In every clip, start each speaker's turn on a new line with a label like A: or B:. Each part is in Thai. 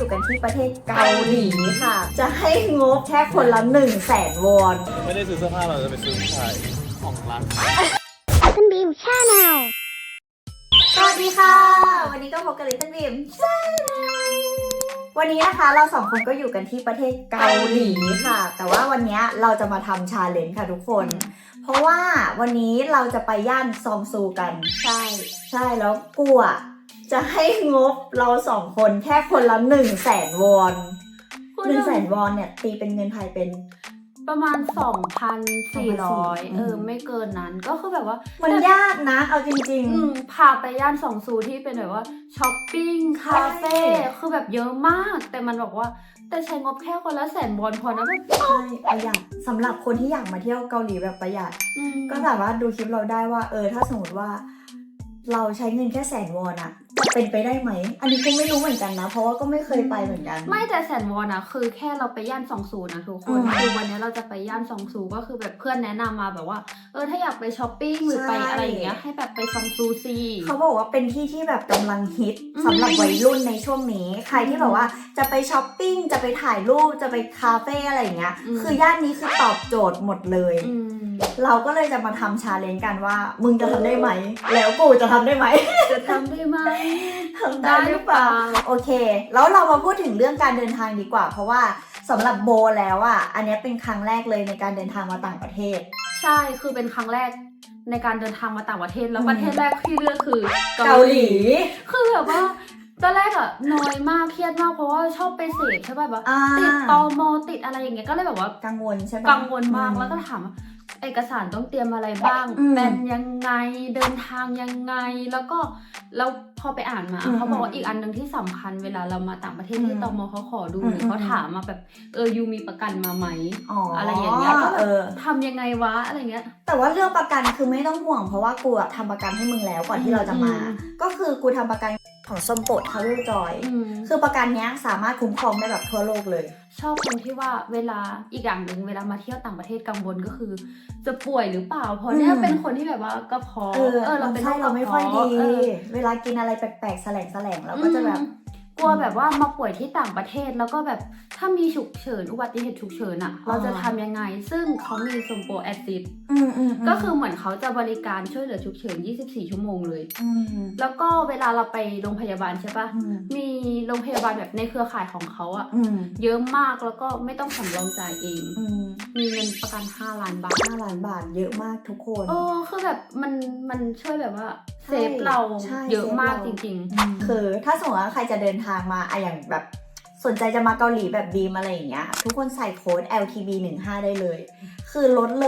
A: กันที่ประเทศเกาหลีค่ะจะให้งบแค่คนละ100,000 วอน
B: ไม่ได้ซื้อเสื้อผ้าเราจะไปซื้อผู้ชายของร้าน
C: คุณบีมชาแนล
A: สวัสดีค่ะวันนี้ก็พบกับลิตเติ้ลบีมวันนี้นะคะเราสองคนก็อยู่กันที่ประเทศเกาหลีค่ะ แต่ว่าวันนี้เราจะมาทำชาเลนจ์ค่ะทุกคน เพราะว่าวันนี้เราจะไปย่านซองซูกันใช่แล้วกูอ่ะจะให้งบเราสองคนแค่คนละ100,000 วอน100,000 วอนเนี่ยตีเป็นเงินไทยเป็น
D: ประมาณ 2,400 ไม่เกินนั้นก็คือแบบว่า
A: มันยากนะเอาจริง
D: พาไปย่านซองซูที่เป็นแบบว่าช้อปปิ้งคาเฟ่คือแบบเยอะมากแต่มันบอกว่าแต่ใช้งบแค่คนละ100,000 วอนพอนะแบบ
A: ใช่ประหยัดสำหรับคนที่อยากมาเที่ยวเกาหลีแบบประหยัดก็สามารถดูคลิปเราได้ว่าถ้าสมมติว่าเราใช้เงินแค่100,000 วอนอะจะเป็นไปได้ไหมอันนี้ก็ไม่รู้เหมือนกันนะเพราะว่าก็ไม่เคยไปเหมือนกัน
D: ไม่แต่100,000 วอนอะคือแค่เราไปย่านซองซูนะทุกคนคือวันนี้เราจะไปย่านซองซูก็คือแบบเพื่อนแนะนำมาแบบว่าถ้าอยากไปช้อปปิ้งหรือไปอะไรอย่างเงี้ยให้แบบไปซองซูซี
A: เขาบอกว่าเป็นที่ที่แบบกำลังฮิตสำหรับวัยรุ่นในช่วงนี้ใครที่แบบว่าจะไปช้อปปิ้งจะไปถ่ายรูปจะไปคาเฟ่อะไรอย่างเงี้ยคือย่านนี้คือตอบโจทย์หมดเลยเราก็เลยจะมาทำชาเลนจ์กันว่ามึงจะทำได้ไหมแล้วกูจะทำได้ไหม
D: จะทำได้ไหม
A: ทำได้หรือเปล่าโอเคแล้วเรามาพูดถึงเรื่องการเดินทางดีกว่าเพราะว่าสำหรับโบแล้วอ่ะอันนี้เป็นครั้งแรกเลยในการเดินทางมาต่างประเทศ
D: ใช่คือเป็นครั้งแรกในการเดินทางมาต่างประเทศแล้วประเทศแรกที่เลือกคือ
A: เกาหลี
D: คือแบบว่าตอนแรกอะน้อยมากเครียดมากเพราะว่าชอบไปเสพใช่ป่ะแบบติดตม.ติดอะไรอย่างเงี้ยก็เลยแบบว่า
A: กังวลใช่ปะ
D: กังวลมากแล้วก็ถามเอกสารต้องเตรียมอะไรบ้างเป็นยังไงเดินทางยังไงแล้วก็แล้วพอไปอ่านมาเขาบอกว่าอีกอันหนึ่งที่สำคัญเวลาเรามาต่างประเทศที่ตม.เขาขอดูหรือเขาถามมาแบบยูมีประกันมาไหมอะไรอย่างเงี้ยก็ทำยังไงวะอะไรเงี้ย
A: แต่ว่าเรื่องประกันคือไม่ต้องห่วงเพราะว่ากูทำประกันให้มึงแล้วก่อนที่เราจะมาก็คือกูทำประกันของสมโปรดทาวเวลจอยคือประกันเนี้ยสามารถคุ้มครองได้แบบทั่วโลกเลย
D: ชอบตรงที่ว่าเวลาอีกอย่างหนึ่งเวลามาเที่ยวต่างประเทศกังวลก็คือจะป่วยหรือเปล่าเพราะเนี่ยเป็นคนที่แบบว่ากระเพาะ
A: เราเป็นเราไม่ค่อยดีเวลากินอะไรแปลกๆแสลงเราก็จะแบบ
D: กลัวแบบว่ามาป่วยที่ต่างประเทศแล้วก็แบบถ้ามีฉุกเฉินอุบัติเหตุฉุกเฉินอะเราจะทำยังไงซึ่งเขามีสมโปรแอซิดก็คือเหมือนเขาจะบริการช่วยเหลือฉุกเฉิน24 ชั่วโมงเลยแล้วก็เวลาเราไปโรงพยาบาลใช่ปะมีโรงพยาบาลแบบในเครือข่ายของเขาอะเยอะมากแล้วก็ไม่ต้องสำรองจ่ายเองมีเงินประกัน5 ล้านบาท
A: 5 ล้านบาทเยอะมากทุกคน
D: คือแบบมันช่วยแบบว่าเซฟเราเยอะมากจริง
A: ๆคือถ้าสมมติว่าใครจะเดินทางมาอย่างแบบสนใจจะมาเกาหลีแบบบีมอะไรอย่างเงี้ยทุกคนใส่โค้ด LTB15 ได้เลยคือลดเลย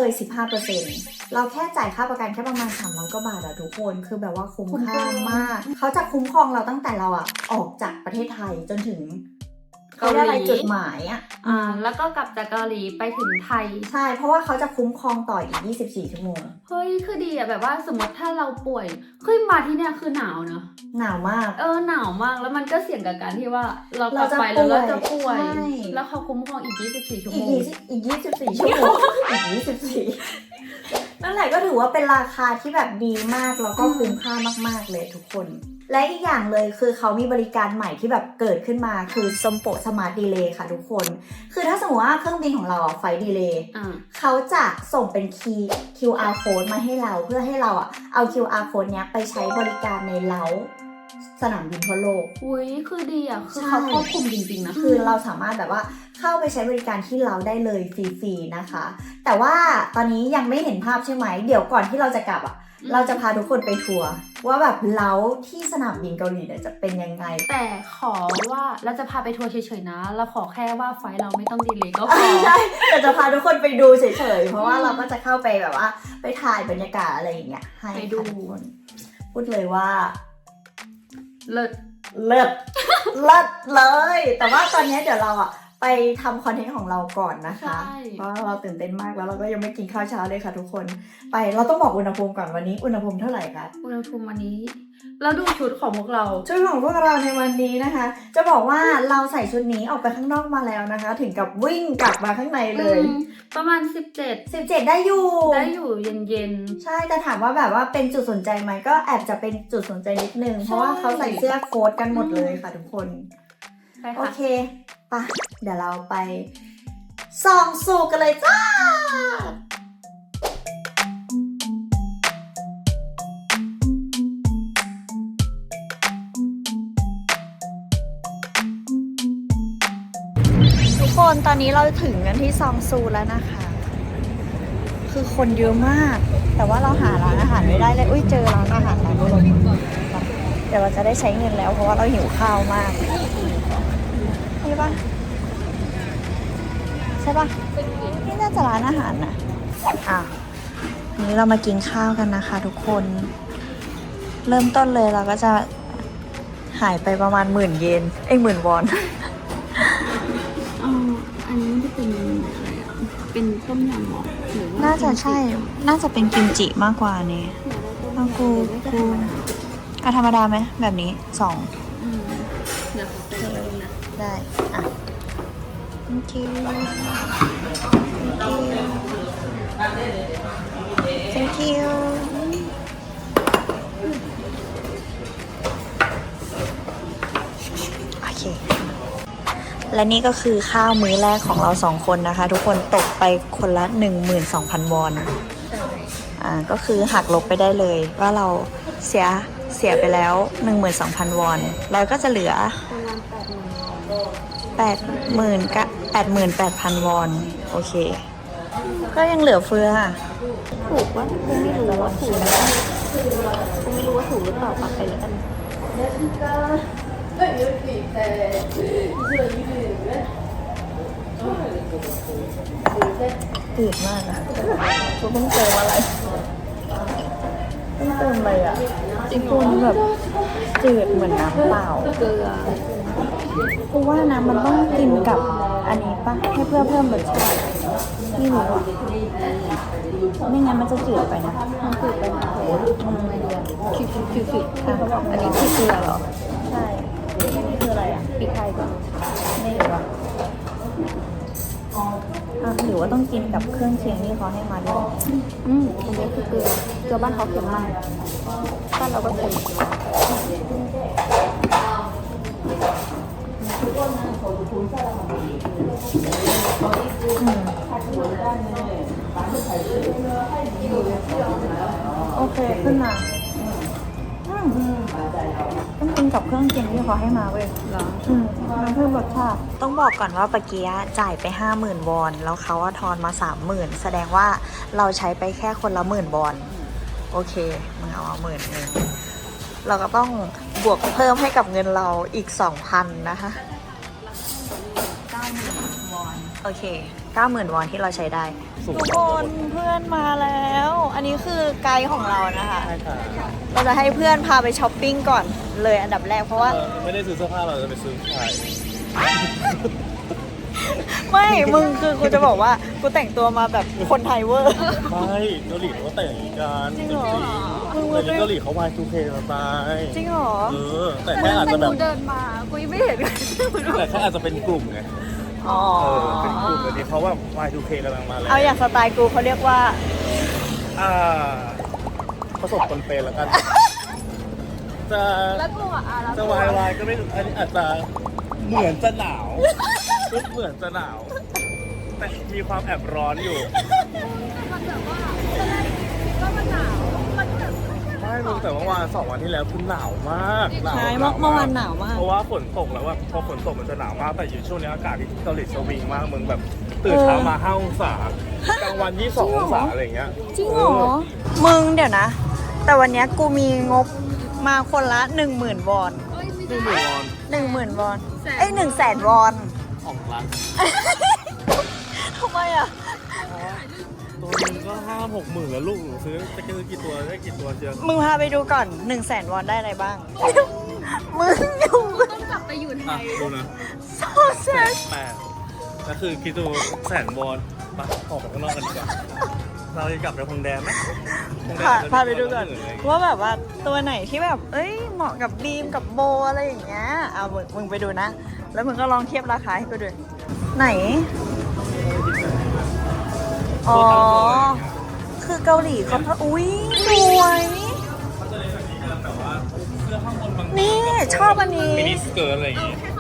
A: 15% เราแค่จ่ายค่าประกันแค่ประมาณ300 กว่าบาทอะทุกคนคือแบบว่าคุ้มค่ามากเขาจะคุ้มครองเราตั้งแต่เราออกจากประเทศไทยจนถึงเกาหลีจุดหมาย
D: แล้วก็กลับจากเกาหลีไปถึงไทย
A: ใช่เพราะว่าเขาจะคุ้มครองต่ออีก24 ชั่วโมง
D: เฮ้ยคือดีอะแบบว่าสมมติถ้าเราป่วยขึ้นมาที่เนี่ยคือหนาวเนอะ
A: หนาวมาก
D: หนาวมากแล้วมันก็เสี่ยงกับการที่ว่าเรากลับไปแล้วเราจะป่วยแล้วเขาคุ้มครองอีก24 ชั่วโมง
A: อีก24 ชั่วโมงอีก24นั่นแหละก็ถือว่าเป็นราคาที่แบบดีมากแล้วก็คุ้มค่ามากๆเลยทุกคนและอีกอย่างเลยคือเขามีบริการใหม่ที่แบบเกิดขึ้นมาคือสมโปรสมาร์ทดีเลย์ค่ะทุกคนคือถ้าสมมติว่าเครื่องบินของเราไฟล์ดีเลย์เขาจะส่งเป็นQR code มาให้เราเพื่อให้เราเอา QR code เนี้ยไปใช้บริการในเล้าสนามบินทั่วโลก
D: อุ้ยคือดีคือเขาควบคุมจริงๆนะ
A: คือเราสามารถแบบว่าเข้าไปใช้บริการที่เราได้เลยฟรีๆนะคะแต่ว่าตอนนี้ยังไม่เห็นภาพใช่ไหมเดี๋ยวก่อนที่เราจะกลับเราจะพาทุกคนไปทัวร์ว่าแบบเล้าที่สนามบินเกาหลีเนี่ยจะเป็นยังไง
D: แต่ขอว่าเราจะพาไปทัวร์เฉยๆนะเราขอแค่ว่าไฟล์เราไม่ต้องดีเลย์ก็พอ
A: ใช่แต่จะพาทุกคนไปดูเฉยๆเพราะว่าเราก็จะเข้าไปแบบว่าไปถ่ายบรรยากาศอะไรอย่างเงี้ยให้
D: ดู
A: พูดเลยว่า
D: เลิศ
A: เลยแต่ว่าตอนนี้เดี๋ยวเราไปทำคอนเทนต์ของเราก่อนนะคะเพราะเราตื่นเต้นมากแล้วเราก็ยังไม่กินข้าวเช้าเลยค่ะทุกคนไปเราต้องบอกอุณหภูมิก่อนวันนี้อุณหภูมิเท่าไหร่คะ
D: อุณหภูมิวันนี้แล้วดูชุดของพวกเรา
A: ชุดของพวกเราในวันนี้นะคะจะบอกว่าเราใส่ชุดนี้ออกไปข้างนอกมาแล้วนะคะถึงกับวิ่งกลับมาข้างในเลย
D: ประมาณ17
A: ได้อยู่
D: เย็น
A: ใช่แต่ถามว่าแบบว่าเป็นจุดสนใจไหมก็แอบจะเป็นจุดสนใจนิดนึงเพราะว่าเขาใส่เสื้อโค้ทกันหมดเลยค่ะทุกคน
D: ใช่
A: โอ
D: ค่ะ
A: เคปะเดี๋ยวเราไปส่องสูกันเลยจ้า ทุกคนตอนนี้เราถึงกันที่ซองซูแล้วนะคะ คือคนเยอะมาก แต่ว่าเราหาร้านอาหารไม่ได้เลย อุ้ยเจอร้านอาหารร้านนี้เดี๋ยวเราจะได้ใช้เงินแล้วเพราะว่าเราหิวข้าวมากนี่ปะใช่ปะนี่น่าจะร้านอาหารนะนี้เรามากินข้าวกันนะคะทุกคน เริ่มต้นเลยเราก็จะหายไปประมาณ10,000 เยน10,000 วอน
D: อันนี้มันจะเป็นอะไรอ่ะเป็นต้มยำหรอหรือว่า
A: น่าจะใช่ น่าจะเป็นกิมจิมากกว่านี่เอากูเอาธรรมดาไหมแบบนี้2
D: เดี๋ยวขอเป็นแบบนี้นะ
A: ได้ อ่ะ thank you thank you โอเค และนี่ก็คือข้าวมื้อแรกของเรา2 คนนะคะ ทุกคนตกไปคนละ 12,000 วอน ก็คือหักลบไปได้เลยว่าเราเสียไปแล้ว 12,000 วอน เราก็จะเหลือ 88,000 วอน โอเค ก็ยังเหลือเฟือ
D: ถูกว่ากูไม่รู้ว่าถูกกูไม่รู้ว่าถูกหรือเปล่าปักไปแล้วกัน
A: จืดมากอะกูต้องเติมอะไรต้องเติมอะไรอะจริงๆแบบจืดเหมือนน้ำเปล่า
D: เกลือ
A: กูว่านะมันต้องกินกับอันนี้ปะให้เพื่อเพิ่มรสชาติไม่รู้อะไม่งั้นมันจะจืดไปนะ
D: มันจืดไปนะไม่เดือดคิวอันนี้คือเกลือเหรอ
A: ใช่อันนี้คืออะไรอะ
D: พริกไทยก่อน
A: ไม่รู้อะหรือว่าต้องกินกับเครื่องเคียงที่เขาให้มาด้วย
D: อันนี้คือเกลือบ้านเขาเค็มมากบ้านเราก็เค็ม
A: โอเคขึ้นมาต้องกินกับเครื่องเคียงที่เขาให้มาเว้ย
D: เหรอ
A: มันเพิ่มรสชาติต้องบอกก่อนว่าเมื่อกี้จ่ายไป 50,000 วอน แล้วเขาทอนมา 30,000 แสดงว่าเราใช้ไปแค่คนละ10,000 วอน โอเคมึงเอามา10,000 เราก็ต้องบวกเพิ่มให้กับเงินเราอีก 2,000 นะคะ 90,000 วอน โอเค 90,000 วอนที่เราใช้ได้ทุกคนเพื่อนมาแล้ว อันนี้คือไกด์ของเรานะคะ
B: ใช่ค่ะ
A: เราจะให้เพื่อนพาไปช้อปปิ้งก่อนเลยอันดับแรกเพราะว่า
B: ไม่ได้ซื้อเสื้อผ้าเราจะไปซื้อผู้ชาย
A: ไม่ มึงคือกูจะบอกว่ากูแต่งตัวมาแบบคนไทยเวอร์
B: ไม่เกาหลีเขาก็แต่งอย่างนี้กัน
A: จริงเหรอ
B: แต่นี่เกาหลีเขา Y2K มาตาย
A: จริงเหรอ
B: แต่แค่อาจจะแบบ
D: เดินมากูยังไม่เห็น
B: แต่แค่อาจจะเป็นกลุ่มไง
A: อ๋อ
B: เป็นกลุ่มแต่นี้เขาแบบ Y2K กำลังมาแล้ว
A: เอาอย่างสไตล์กูเขาเรียกว่า
B: ประสบคนเป็นแล้วกัน จะ
D: แล้วกูอ่ะแล้ว
B: จะวายก็ไม่อันนี้อาจจะเหมือนจะหนาวเหมือนจะหนาว แต่มีความแอบร้อนอยู่
D: มันแบบว่าตอนแรกคิดว่ามันหนาวมันแบบ
B: ไม่รู้แต่ว่าวัน2 วันที่แล้วคือหนาวมากหนาว
A: ใช่
B: หนาว
A: เมื่อวานหนาวมาก
B: เพราะว่าฝนตกแล้วว่าพอฝนตกมันจะหนาวมากแต่อยู่ช่วงนี้อากาศที่เกาหลีสวิงมากมึงแบบตื่นเช้ามา5 องศากลางวัน22 องศาอะไรอย่างเงี้ย
A: จริงเหรอ มึงเดี๋ยวนะ แต่วันเนี้ยกูมีงบมาคนละ 10,000 วอน
B: 1,000 วอน
A: 10,000 วอน เอ้ย100,000 วอน
B: ของร้าน
A: ทำไมอ่ะ
B: ตัวนึงก็5-6 หมื่นแล้วลูกหนูซื้อจะซื้อกี่ตัวได้กี่ตัวเชียว
A: มึงพาไปดูก่อน 100,000 วอนได้อะไรบ้าง มึงอยู่
D: ต้องกลับไปอยู่ไทย
B: ดูนะ
A: โซเซส
B: 8ก็คือคิดดู100,000 วอนไปออกไปข้างนอกกันดีกว่าเราจะกลับไปพงแดนไหมพงแดน
A: พาไปดูก่อนว่าแบบว่าตัวไหนที่แบบ เอ้ยเหมาะกับบีมกับโบอะไรอย่างเงี้ยเอามึงไปดูนะ แล้วมึงก็ลองเทียบราคาให้กูดูไหน อ๋อ คือเกาหลีเขาอุ้ยสวย
B: มันจะเลยแบบนี้กันแต่ว่าเสื้อข้างบนบาง
A: นี่ชอบอันนี้
B: มินิสเกิร์ตอะไรอย่างงี้
D: แค่ข้างในกับ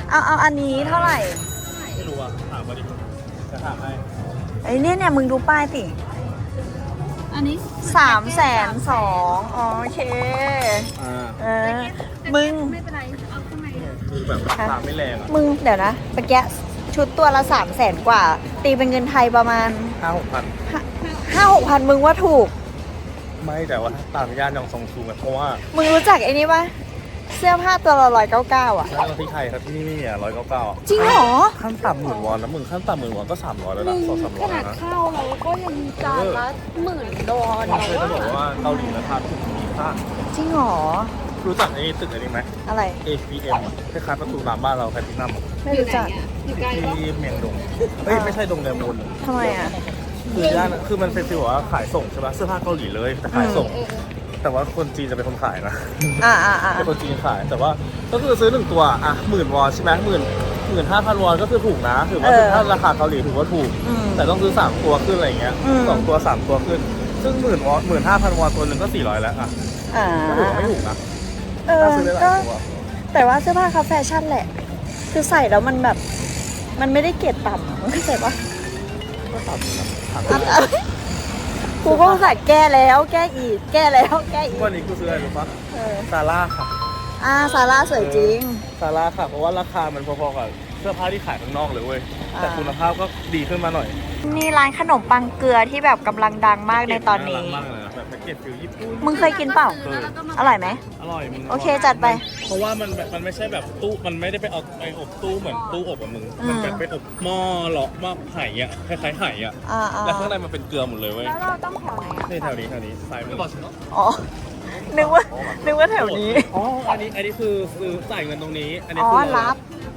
A: เอาอันนี้เท่าไหร่
B: ไม่รู้อ่ะถามมาดิจะถามให้
A: ไอ้เนี่ยมึงดูป้ายสิ
D: อันนี้
A: 302,000อ๋อโอเค เออ มึง
D: ไม่เป็นไร เอาข้างใน
B: คือแบบราคาไม่แรงอ่ะ
A: มึงเดี๋ยวนะเมื่อกี้ชุดตัวละ300,000 กว่า ตีเป็นเงินไทยประมาณ
B: 5-6 พัน
A: 5-6,000 มึงว่าถูก
B: ไม่แต่ว่าต่างย่านอย่างซองซูอะเพราะว่า
A: มึงรู้จักไอ้นี่ปะเสื้อผ้าตัวละ199อ่ะ
B: ถ้าเราที่ไทยครับที่นี่ไม่มีอ่ะ199
A: จริงเหรอ
B: ขั้นต่ำ10,000 วอนนะมึงขั้นต่ำ10,000 วอนก็300แล้วนะ200-300
D: ขนาด
B: นะ
D: ข้าวเราก็ยังจานละ$10,000
B: ไม่เคยจะบอกว่าเกาหลีราคาถูกมีค่า
A: จริงเหรอ
B: รู้จักไอ้ตึกอะไรไหม
A: อะไร
B: APM อะคล้ายๆประตูน้ำบ้านเราแพลทินัม
A: ไม่รู้จัก
D: อยู่ไกลปะ
B: ที่เมียงดงเฮ้ยไม่ใช่ดงเดมูล
A: ทำไมอ่ะ
B: คือย่านคือมันเป็นฟีลว่าขายส่งใช่ปะเสื้อผ้าเกาหลีเลยแต่ขายส่ง แต่ว่าคนจีนจะเป็นคนขายนะ
A: อ่า
B: เป็นคนจีนขายแต่ว่าก็คือซื้อ1 ตัวอ่ะ10,000 วอนใช่ไหม15,000 วอนก็คือถูกนะถือว่าถ้าราคาเกาหลีถือว่าถูก แต่ต้องซื้อ3 ตัวขึ้นอะไรเงี้ย2 ตัว 3 ตัวขึ้น ซึ่ง10,000 วอน15,000 วอนตัวหนึ่งก็400แล้วอ่ะ
A: อ่า
B: ก็ถือว่าไม่ถูกนะ
A: เออ
B: ถ้าซื้อได้หลาย
A: ก็
B: ตัว
A: แต่ว่าเสื้อผ้าเขาแฟชั่นแหละ คือใส่แล้วมันแบบ มันไม่ได้เกรดต่ำอะมึงเข้าใจปะ
B: ก็ต่ำอยู่นะถาม
A: กูก็ใส่แก้แล้ว แก้อีก แก้แล้ว แก้อีก
B: วันนี้กูซื้ออะไรรู้ปะ
A: เออ
B: ซาร่าค่ะ
A: ซาร่าสวยจริง
B: ซาร่าค่ะ เพราะว่าราคามันพอๆกับเสื้อผ้าที่ขายข้างนอกเลยเว้ย แต่คุณภาพก็ดีขึ้นมาหน่อย
A: นี่ร้านขนมปังเกลือที่แบบกำลังดังมากในตอนนี้
B: ารักมากเลยนะแบบแพ็กเกจฟิลญี่ปุ่น
A: มึงเคยกินเปล่า อร่อยไหม
B: อร่อยมึง
A: โอเคจัดไป
B: เพราะว่ามันแบบมันไม่ใช่แบบตู้มันไม่ได้ไปเอาไปอบตู้เหมือนตู้อบอะมึง มันแบบไปอบหม้อเหลาะหม้อไห่อะคล้ายๆไห่อะ
A: อ่า
B: แล้วข้างในมันเป็นเกลือหมดเลยเว้ย
D: แล้วเราต้องแถวไหนอ่ะ
B: นี่แถวนี้ซ้ายมือ
A: อ๋อ นึกว่าแถวนี้
B: อ๋ออันนี้คือซื้อจ่ายเงินตรงนี้ อันนี้
A: อ๋อ
B: คือ
A: รับ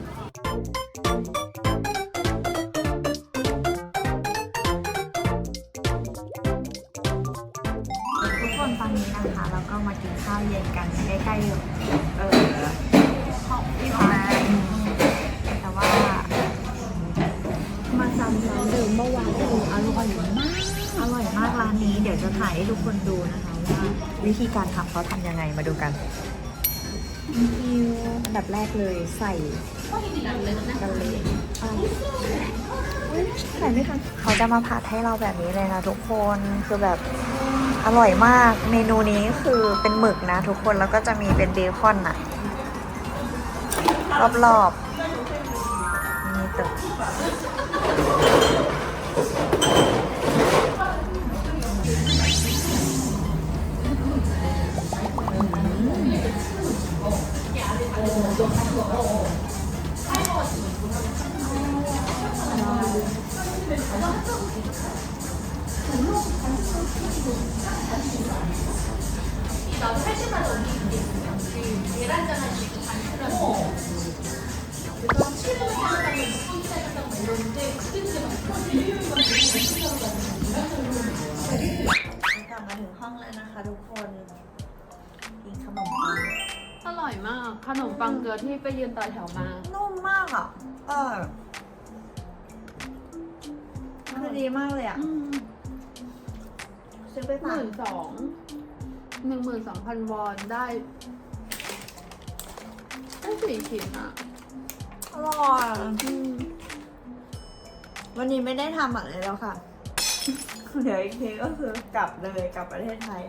A: ทุกคนตอนนี้นะคะเราก็มากินข้าวเย็นกันใกล้ๆห้องที่พักแต่ว่ามาซ้ำร้านเดิมเมื่อวานอร่อยมากร้านนี้เดี๋ยวจะถ่ายให้ทุกคนดูนะคะว่าวิธีการทำเขาทำยังไงมาดูกันอันดับแรกเลยใส่กันเลยใส่ไม่ทันเขาจะมาผัดให้เราแบบนี้เลยนะทุกคนคือแบบอร่อยมากเมนูนี้คือเป็นหมึกนะทุกคนแล้วก็จะมีเป็นเบคอนอะรอบๆนี่ตึกกลับมาถึงห้องแล้วนะคะทุกคนกินขนมปัง
D: อร่อยมาก ขนมปังเกลือที่ไปยืนต่อแถวมา
A: นุ่มมากอ่ะคือดีมากเลยอ่ะซื้อไปฝาก
D: 12,000 วอนได้4 ชิ้นอ่ะ
A: อร่อยวันนี้ไม่ได้ทำอะไรแล้วค่ะ เดี๋ยวอีกทีก็คือกลับเลยกลับประเทศไทย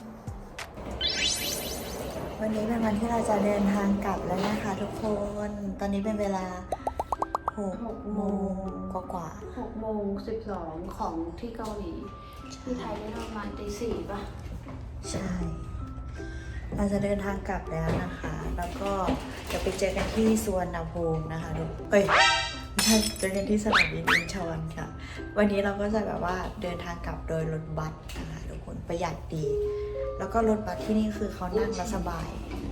A: วันนี้เป็นวันที่เราจะเดินทางกลับแล้วนะคะทุกคน ตอนนี้เป็นเวลา6 โมงกว่า
D: 6:12ของที่เกาหลี ที่ไทยได้ประมาณตี4ป่ะ
A: ใช่ เราจะเดินทางกลับแล้วนะคะ แล้วก็จะไปเจอกันที่สุวรรณภูมินะคะทุกไม่ใช่เจอกันที่สนามบินอินชอนค่ะ วันนี้เราก็จะแบบว่าเดินทางกลับโดยรถบัสนะคะทุกคนประหยัดดี แล้วก็รถบัสที่นี่คือเขานั่งแล้วสบาย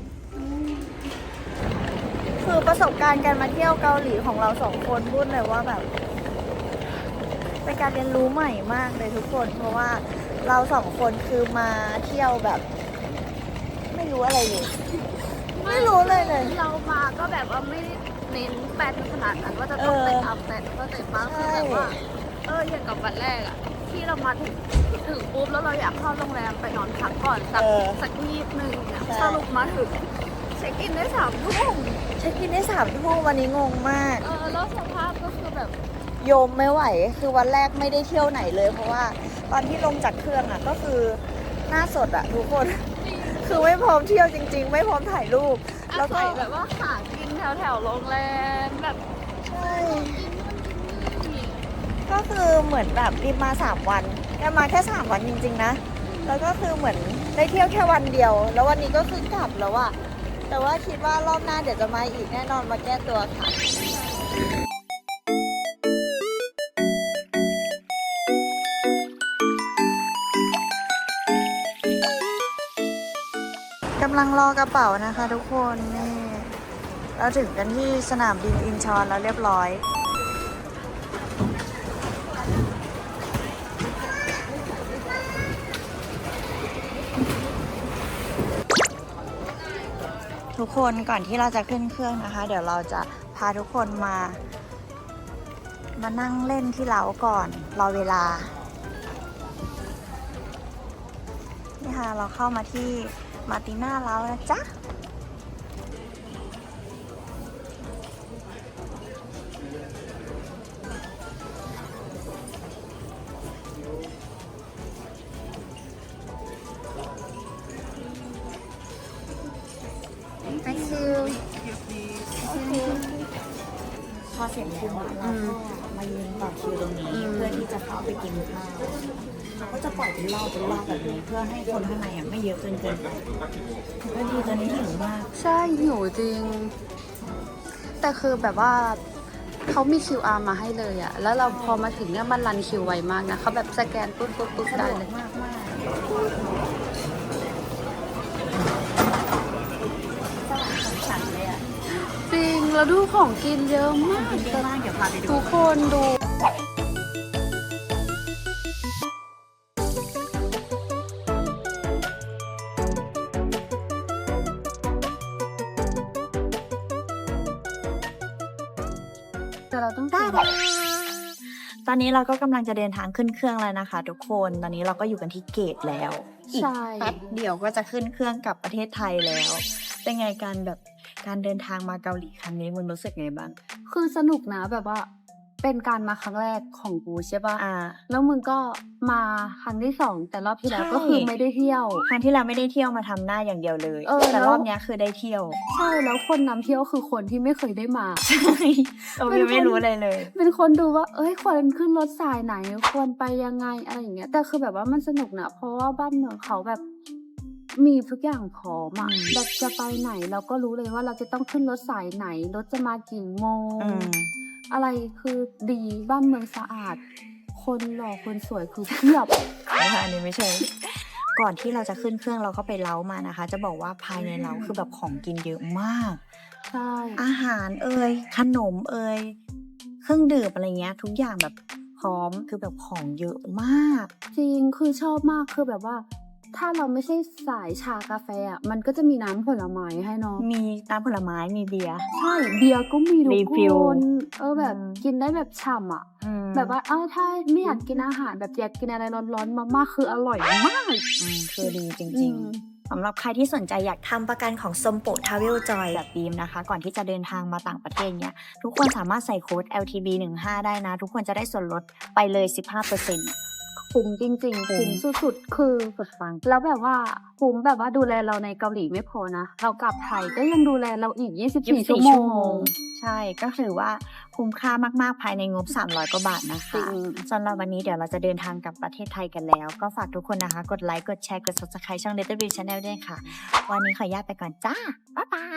A: คือประสบการณ์การมาเที่ยวเกาหลีของเราสองคนพูดเลยว่าแบบเป็นการเรียนรู้ใหม่มากเลยทุกคน เพราะว่าเราสองคนคือมาเที่ยวแบบ ไม่รู้อะไรเลย ไม่รู้เลยเลย
D: เรามาก็แบบว่าไม่ได้เน้นแปลนขนาดนั้นว่าจะต้องเตะอัพแต่ก็เตะบ้างคือแบบว่าอย่างกับวันแรกอะที่เรามาถึงปุ๊บแล้วเราอยากเข้าโรงแรมไปนอนพักก่อนสักนิดนึงเนี่ยสรุปมาถึงเช็คอินได้3 ทุ่ม
A: เช็คอินได้3 ทุ่มวันนี้งงมาก
D: แล้วสภาพก็คือแบบ
A: โยมไม่ไหวคือวันแรกไม่ได้เที่ยวไหนเลย เพราะว่าตอนที่ลงจากเครื่องอ่ะก็คือหน้าสดอ่ะทุกคน คือไม่พร้อมเที่ยวจริง ๆ ไม่พร้อมถ่ายรูป แล้วก็
D: แบบว่าหากินแถวโรงแรมแบบ
A: ใช่ ก็คือเหมือนแบบรีบมา3 วันแต่มาแค่3 วันจริงๆนะ แล้วก็คือเหมือนได้เที่ยวแค่วันเดียว แล้ววันนี้ก็คือกลับแล้วอะแต่ว่าคิดว่ารอบหน้าเดี๋ยวจะมาอีกแน่นอนมาแก้ตัวค่ะกำลังรอกระเป๋านะคะทุกคนนี่เราถึงกันที่สนามบินอินชอนแล้วเรียบร้อย ทุกคนก่อนที่เราจะขึ้นเครื่องนะคะ เดี๋ยวเราจะพาทุกคนมานั่งเล่นที่เล้าก่อนรอเวลานี่ค่ะเราเข้ามาที่มาร์ติน่าเล้านะจ๊ะพอเสร็จคิวเราก็มายืนต่อคิวตรงนี้เพื่อที่จะเข้าไปกินข้าวเขาก็จะปล่อยเป็นรอบแบบนี้เพื่อให้คนข้างในไม่เยอะเกินไปก็ดีตอนนี้หิวมาก
D: ใช่หิวจริง แต่คือแบบว่าเขามี QR มาให้เลยอะแล้วเราพอมาถึงเนี่ยมันรันคิวไวมากนะเขาแบบสแกนปุ๊บได้เลย
A: มากสลัดฉันเลยอ่ะ
D: จริงแล้วดูของกินเยอะมาก
A: เยอะมากเดี๋ยวพาไปดู
D: ทุกคนดูแต่เราต้องกิน
A: ตอนนี้เราก็กำลังจะเดินทางขึ้นเครื่องแล้วนะคะ ทุกคนตอนนี้เราก็อยู่กันที่เกตแล้วอีก
D: ใช่
A: แป๊บเดียวก็จะขึ้นเครื่องกลับประเทศไทยแล้ว เป็นไงการเดินทางมาเกาหลีครั้งนี้มึงรู้สึกไงบ้าง
D: คือสนุกนะแบบว่า เป็นการมาครั้งแรกของกูใช่ป่ะ
A: อ่า
D: แล้วมึงก็มาครั้งที่ 2แต่รอบที่แล้ว
A: ใช่
D: ก็คือไม่ได้เที่ยว
A: ครั้งที่เราไม่ได้เที่ยวมาทำหน้าอย่างเดียวเลย แต่
D: แล้ว
A: รอบเนี้ยคือได้เที่ยว
D: ใช่แล้วคนนำเที่ยวคือคนที่ไม่เคยได้มา
A: ใช่เรายังไม่รู้อะไรเลย
D: เป็นคนดูว่า เอ้ยควรขึ้นรถสายไหนควรไปยังไงอะไรอย่างเงี้ย แต่คือแบบว่ามันสนุกนะเพราะว่าบ้านเมืองเขาแบบ มีทุกอย่างพร้อมอะ
A: อืม
D: แบบจะไปไหนเราก็รู้เลยว่าเราจะต้องขึ้นรถสายไหนรถจะมากี่โมง
A: อืม
D: อะไรคือดีบ้านเมืองสะอาด คนหล่อคนสวยคือเพียบ
A: นะคะอันนี้ไม่ใช่ ก่อนที่เราจะขึ้นเครื่องเราก็ไปเล้ามานะคะ จะบอกว่าภายในเล้าคือแบบของกินเยอะมาก
D: ใช่
A: อาหารขนมเครื่องดื่มอะไรเงี้ย ทุกอย่างแบบพร้อมคือแบบของเยอะมาก
D: จริงคือชอบมากคือแบบว่า ถ้าเราไม่ใช่สายชากาแฟอ่ะมันก็จะมีน้ำผลไม้ให้เนาะ
A: มีน้ำผลไม้มีเบียร์
D: ใช่เบียร์ก็มีทุ
A: รี
D: ก
A: ฟิล
D: คนแบบ
A: อืม
D: กินได้แบบฉ่ำอ่ะ แบบว่าถ้าไม่อยากกินอาหารแบบอยากกินอะไรร้อนๆมากๆคืออร่อยมาก
A: คือดีจ
D: อื
A: ริง
D: ม
A: ๆสำหรับใครที่สนใจอยากทำประกันของสมโปทราเวลจอยแบบบีมนะคะ ก่อนที่จะเดินทางมาต่างประเทศเนี้ยทุกคนสามารถใส่โค้ด LTB15 ได้นะ ทุกคนจะได้ส่วนลดไปเลย 15%
D: คุ้มจริงๆ
A: คุ้
D: คุ้
A: ม
D: มสุดๆ คือ
A: สุดฟัง
D: แล้วแบบว่าคุ้มแบบว่าดูแลเราในเกาหลีไม่พอนะ เรากลับไทยก็ยังดูแลเราอีก 24 ชั่วโมง
A: ใช่ก็ถือว่าคุ้มค่ามากๆภายในงบ 300 กว่าบาทนะ
D: จริ
A: คะ
D: ง
A: สำหรับวันนี้เดี๋ยวเราจะเดินทางกลับประเทศไทยกันแล้ว ก็ฝากทุกคนนะคะ กดไลค์ กดแชร์ กด subscribe ช่อง Little Big Channel ด้วยค่ะ วันนี้ขออนุญาตไปก่อนจ้า บ๊ายบาย